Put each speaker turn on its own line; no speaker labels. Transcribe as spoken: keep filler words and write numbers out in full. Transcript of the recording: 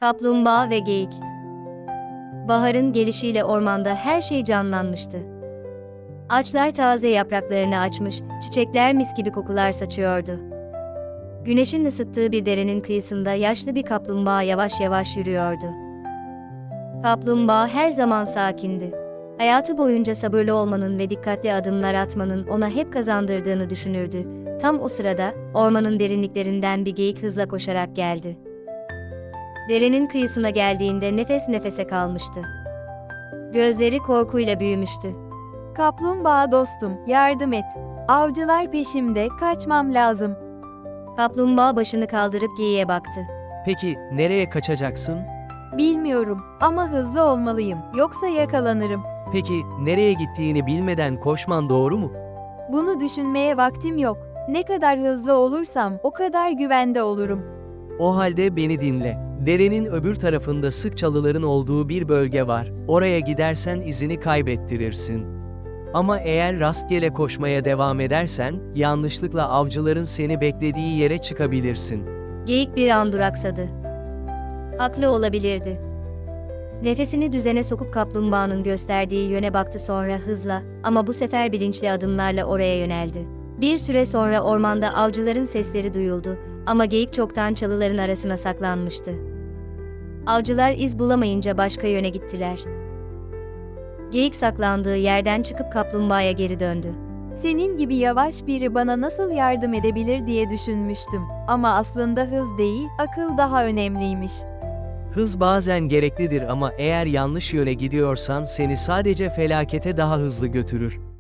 Kaplumbağa ve geyik. Baharın gelişiyle ormanda her şey canlanmıştı. Ağaçlar taze yapraklarını açmış, çiçekler mis gibi kokular saçıyordu. Güneşin ısıttığı bir derenin kıyısında yaşlı bir kaplumbağa yavaş yavaş yürüyordu. Kaplumbağa her zaman sakindi. Hayatı boyunca sabırlı olmanın ve dikkatli adımlar atmanın ona hep kazandırdığını düşünürdü. Tam o sırada, ormanın derinliklerinden bir geyik hızla koşarak geldi. Derenin kıyısına geldiğinde nefes nefese kalmıştı. Gözleri korkuyla büyümüştü.
Kaplumbağa dostum, yardım et. Avcılar peşimde, kaçmam lazım.
Kaplumbağa başını kaldırıp geyiğe baktı.
Peki nereye kaçacaksın?
Bilmiyorum ama hızlı olmalıyım, yoksa yakalanırım.
Peki nereye gittiğini bilmeden koşman doğru mu?
Bunu düşünmeye vaktim yok. Ne kadar hızlı olursam o kadar güvende olurum.
O halde beni dinle. Derenin öbür tarafında sık çalıların olduğu bir bölge var. Oraya gidersen izini kaybettirirsin. Ama eğer rastgele koşmaya devam edersen, yanlışlıkla avcıların seni beklediği yere çıkabilirsin.
Geyik bir an duraksadı. Haklı olabilirdi. Nefesini düzene sokup kaplumbağanın gösterdiği yöne baktı, sonra hızla ama bu sefer bilinçli adımlarla oraya yöneldi. Bir süre sonra ormanda avcıların sesleri duyuldu ama geyik çoktan çalıların arasına saklanmıştı. Avcılar iz bulamayınca başka yöne gittiler. Geyik saklandığı yerden çıkıp kaplumbağaya geri döndü.
Senin gibi yavaş biri bana nasıl yardım edebilir diye düşünmüştüm. Ama aslında hız değil, akıl daha önemliymiş.
Hız bazen gereklidir ama eğer yanlış yöne gidiyorsan seni sadece felakete daha hızlı götürür.